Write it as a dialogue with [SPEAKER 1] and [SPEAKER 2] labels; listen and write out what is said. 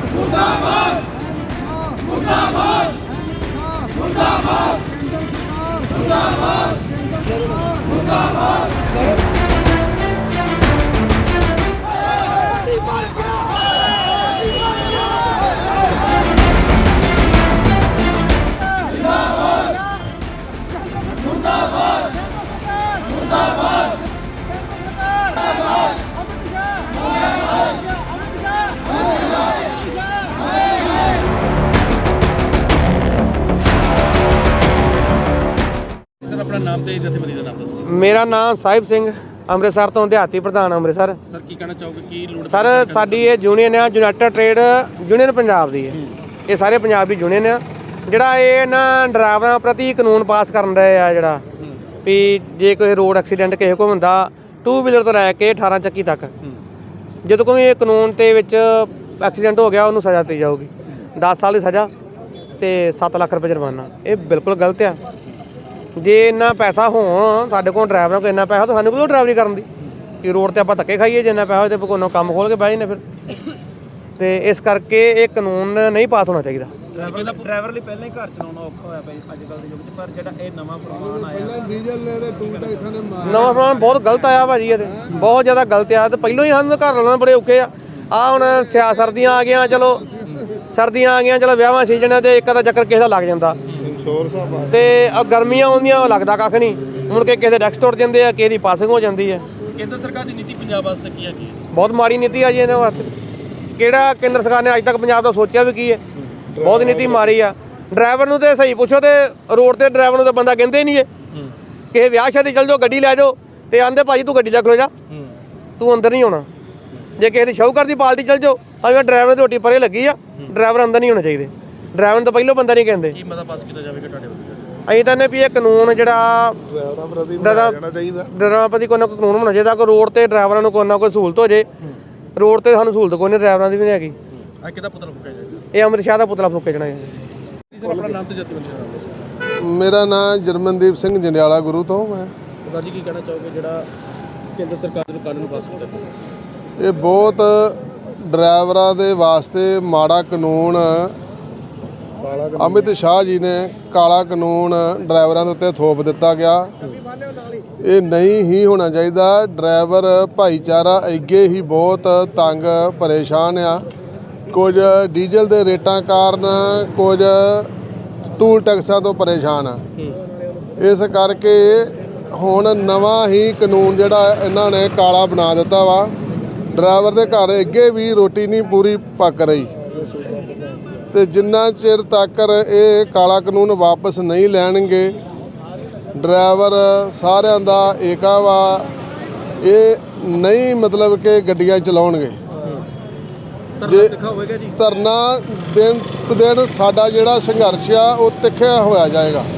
[SPEAKER 1] मुर्दाबाद मुर्दाबाद मुर्दाबाद मुर्दाबाद मुर्दाबाद
[SPEAKER 2] सर अपना नाम ਤੇ ਜਥੇਬੰਦੀ ਦਾ ਨਾਮ ਦੱਸੋ।
[SPEAKER 3] ਮੇਰਾ ਨਾਮ ਸਾਹਿਬ ਸਿੰਘ ਅੰਮ੍ਰਿਤਸਰ ਤੋਂ ਦਿਹਾਤੀ ਪ੍ਰਧਾਨ ਅੰਮ੍ਰਿਤਸਰ।
[SPEAKER 2] ਸਰ ਕੀ ਕਹਿਣਾ ਚਾਹੋਗੇ ਕੀ ਲੋੜ
[SPEAKER 3] ਸਰ ਸਾਡੀ ਇਹ ਯੂਨੀਅਨ ਆ ਯੂਨਾਈਟਿਡ ਟ੍ਰੇਡ ਯੂਨੀਅਨ ਪੰਜਾਬ ਦੀ ਹੈ। ਇਹ ਸਾਰੇ ਪੰਜਾਬ ਦੀ ਯੂਨੀਅਨ ਆ ਜਿਹੜਾ ਇਹ ਨਾ ਡਰਾਈਵਰਾਂ ਪ੍ਰਤੀ ਕਾਨੂੰਨ ਪਾਸ ਕਰਨ ਰਹੇ ਆ ਜਿਹੜਾ ਵੀ ਜੇ ਕੋਈ ਰੋਡ ਐਕਸੀਡੈਂਟ ਕਿਸੇ ਕੋਲ ਹੁੰਦਾ 2 ਵੀਲਰ ਤੋਂ ਲੈ ਕੇ 18 ਚੱਕੀ ਤੱਕ ਜਦੋਂ ਕੋਈ ਇਹ ਕਾਨੂੰਨ ਦੇ ਵਿੱਚ ਐਕਸੀਡੈਂਟ ਹੋ ਗਿਆ ਉਹਨੂੰ ਸਜ਼ਾ ਦਿੱਤੀ ਜਾਊਗੀ 10 ਸਾਲ ਦੀ ਸਜ਼ਾ ਤੇ 7 ਲੱਖ ਰੁਪਏ ਜੁਰਮਾਨਾ। ਇਹ ਬਿਲਕੁਲ ਗਲਤ ਆ। ਜੇ ਇੰਨਾ ਪੈਸਾ ਹੋਣ ਸਾਡੇ ਕੋਲ ਡਰਾਈਵਰਾਂ ਕੋਲ ਇੰਨਾ ਪੈਸਾ ਤਾਂ ਸਾਨੂੰ ਕੋਲ ਡਰਾਈਵਰੀ ਕਰਨ ਦੀ ਕਿ ਰੋਡ ਤੇ ਆਪਾਂ ਧੱਕੇ ਖਾਈਏ ਜਿੰਨਾ ਪੈਸਾ ਤੇ ਕੋਲੋਂ ਕੰਮ ਖੋਲ ਕੇ ਬਹਿ ਜਾਂਦੇ ਫਿਰ। ਤੇ ਇਸ ਕਰਕੇ ਇਹ ਕਾਨੂੰਨ ਨਹੀਂ ਪਾਸ ਹੋਣਾ ਚਾਹੀਦਾ।
[SPEAKER 2] ਡਰਾਈਵਰ ਲਈ ਪਹਿਲਾਂ ਹੀ ਘਰ ਚਲਾਉਣਾ ਔਖਾ ਹੋਇਆ ਪਿਆ ਅੱਜ ਕੱਲ੍ਹ ਦੇ ਯੁੱਗ 'ਚ ਪਰ ਜਿਹੜਾ ਇਹ ਨਵਾਂ ਫਰਮਾਨ ਆਇਆ
[SPEAKER 3] ਨਵਾਂ ਫਰਮਾਨ ਬਹੁਤ ਗਲਤ ਆਇਆ ਭਾਜੀ। ਇਹ ਬਹੁਤ ਜ਼ਿਆਦਾ ਗਲਤ ਆ ਤੇ ਪਹਿਲਾਂ ਹੀ ਸਾਨੂੰ ਘਰ ਲਾਉਣਾ ਬੜੇ ਔਖੇ ਆ। ਹੁਣ ਸਰਦੀਆਂ ਆ ਗਈਆਂ ਚਲੋ ਸਰਦੀਆਂ ਆ ਗਈਆਂ ਚਲੋ ਵਿਆਹਾਂ ਸੀਜ਼ਨ ਹੈ ਤੇ ਇੱਕ ਅੱਧਾ ਚੱਕਰ ਕਿਸੇ ਦਾ ਲੱਗ ਜਾਂਦਾ ਤੇ ਗਰਮੀਆਂ ਆਉਂਦੀਆਂ ਉਹ ਲੱਗਦਾ ਕੱਖ ਨਹੀਂ। ਮੁੜ ਕੇ ਕਿਸੇ ਦੇ ਡੈਕਸ ਟੁੱਟ ਜਾਂਦੇ ਆ ਕਿਸੇ ਦੀ ਪਾਸਿੰਗ ਹੋ ਜਾਂਦੀ ਹੈ।
[SPEAKER 2] ਕੇਂਦਰ ਸਰਕਾਰ ਦੀ ਨੀਤੀ ਪੰਜਾਬ ਵਾਸਤੇ ਕੀ ਹੈ ਕੀ
[SPEAKER 3] ਬਹੁਤ ਮਾੜੀ ਨੀਤੀ ਆ ਜੀ ਇਹਨਾਂ ਵਾਸਤੇ। ਕਿਹੜਾ ਕੇਂਦਰ ਸਰਕਾਰ ਨੇ ਅੱਜ ਤੱਕ ਪੰਜਾਬ ਦਾ ਸੋਚਿਆ ਵੀ ਕੀ ਹੈ? ਬਹੁਤ ਨੀਤੀ ਮਾੜੀ ਆ। ਡਰਾਈਵਰ ਨੂੰ ਤੇ ਸਹੀ ਪੁੱਛੋ ਤੇ ਰੋਡ ਤੇ ਡਰਾਈਵਰ ਨੂੰ ਤਾਂ ਬੰਦਾ ਕਹਿੰਦੇ ਨਹੀਂ ਹੈ। ਕਿਸੇ ਵਿਆਹ ਸ਼ਾਦੀ ਚੱਲ ਜਾਓ ਗੱਡੀ ਲੈ ਜਾਓ ਤੇ ਆਂਦੇ ਭਾਜੀ ਤੂੰ ਗੱਡੀ 'ਚ ਖਲੋ ਜਾ ਤੂੰ ਅੰਦਰ ਨਹੀਂ ਆਉਣਾ। ਜੇ ਕਿਸੇ ਦੀ ਸ਼ਾਹੂਕਾਰ ਦੀ ਪਾਰਟੀ ਚੱਲ ਜਾਓ ਤਾਂ ਡਰਾਈਵਰ ਦੀ ਰੋਟੀ ਪਰੇ ਲੱਗੀ ਆ ਡਰਾਈਵਰ ਅੰਦਰ ਨਹੀਂ ਹੋਣਾ ਚਾਹੀਦੇ। ਡਰਾਈਵਰ ਨੂੰ ਤਾਂ ਪਹਿਲਾਂ ਬੰਦਾ ਨਹੀਂ ਕਹਿੰਦੇ।
[SPEAKER 2] ਕੀ ਮਤਾ ਪਾਸ ਕੀਤਾ ਜਾਵੇਗਾ ਤੁਹਾਡੇ ਵੱਲੋਂ?
[SPEAKER 3] ਅਸੀਂ ਤਾਂ ਨੇ ਵੀ ਇਹ ਕਾਨੂੰਨ ਜਿਹੜਾ ਡਰਾਈਵਰਾਂ ਪ੍ਰਤੀ ਕੋਈ ਨਾ ਕੋਈ ਕਾਨੂੰਨ ਹੋਣਾ ਚਾਹੀਦਾ ਕਿ ਰੋਡ ਤੇ ਡਰਾਈਵਰਾਂ ਨੂੰ ਕੋਈ ਨਾ ਕੋਈ ਸਹੂਲਤ ਹੋ ਜੇ। ਰੋਡ ਤੇ ਸਾਨੂੰ ਸਹੂਲਤ ਕੋਈ ਨਹੀਂ ਡਰਾਈਵਰਾਂ ਦੀ ਵੀ ਨਹੀਂ ਹੈਗੀ।
[SPEAKER 2] ਆ ਕਿਹਦਾ ਪੁਤਲਾ ਫੂਕਿਆ ਜਾਏਗਾ?
[SPEAKER 3] ਇਹ ਅੰਮ੍ਰਿਤ ਸ਼ਾਹ ਦਾ ਪੁਤਲਾ ਫੂਕਿਆ ਜਾਣਾ ਹੈ।
[SPEAKER 2] ਸਰ ਆਪਣਾ ਨਾਮ ਤੇ ਜਥੇਬੰਦੀ ਦਾ ਨਾਮ ਦੱਸੋ।
[SPEAKER 4] ਮੇਰਾ ਨਾਮ ਜਰਮਨਦੀਪ ਸਿੰਘ ਜੰਡਿਆਲਾ ਗੁਰੂ ਤੋਂ ਮੈਂ।
[SPEAKER 2] ਸਰਦਾਰ ਜੀ ਕੀ ਕਹਿਣਾ ਚਾਹੋਗੇ ਜਿਹੜਾ ਕੇਂਦਰ ਸਰਕਾਰ ਨੂੰ ਕਾਨੂੰਨ ਪਾਸ ਕੀਤਾ?
[SPEAKER 4] ਇਹ ਬਹੁਤ ਡਰਾਈਵਰਾਂ ਦੇ ਵਾਸਤੇ ਮਾੜਾ ਕਾਨੂੰਨ ਅਮਿਤ ਸ਼ਾਹ ਜੀ ਨੇ ਕਾਲਾ ਕਾਨੂੰਨ ਡਰਾਈਵਰਾਂ ਦੇ ਉੱਤੇ ਥੋਪ ਦਿੱਤਾ ਗਿਆ। ਇਹ ਨਹੀਂ ਹੀ ਹੋਣਾ ਚਾਹੀਦਾ। ਡਰਾਈਵਰ ਭਾਈਚਾਰਾ ਅੱਗੇ ਹੀ ਬਹੁਤ ਤੰਗ ਪਰੇਸ਼ਾਨ ਆ। ਕੁਝ ਡੀਜ਼ਲ ਦੇ ਰੇਟਾਂ ਕਾਰਨ ਕੁਝ ਟੂਲ ਟੈਕਸਾਂ ਤੋਂ ਪਰੇਸ਼ਾਨ ਆ। ਇਸ ਕਰਕੇ ਹੁਣ ਨਵਾਂ ਹੀ ਕਾਨੂੰਨ ਜਿਹੜਾ ਇਹਨਾਂ ਨੇ ਕਾਲਾ ਬਣਾ ਦਿੱਤਾ ਵਾ। ਡਰਾਈਵਰ ਦੇ ਘਰ ਅੱਗੇ ਵੀ ਰੋਟੀ ਨਹੀਂ ਪੂਰੀ ਪੱਕ ਰਹੀ ਤੇ ਜਿੰਨਾ ਚਿਰ ਤੱਕ ਇਹ ਕਾਲਾ ਕਾਨੂੰਨ ਵਾਪਸ ਨਹੀਂ ਲੈਣਗੇ ਡਰਾਈਵਰ ਸਾਰਿਆਂ ਦਾ ਏਕਾ ਵਾ। ਇਹ ਨਹੀਂ ਮਤਲਬ ਕਿ ਗੱਡੀਆਂ ਚਲਾਉਣਗੇ। ਜੇ ਧਰਨਾ ਦਿਨ ਸਾਡਾ ਜਿਹੜਾ ਸੰਘਰਸ਼ ਆ ਉਹ ਤਿੱਖਿਆ ਹੋਇਆ ਜਾਏਗਾ।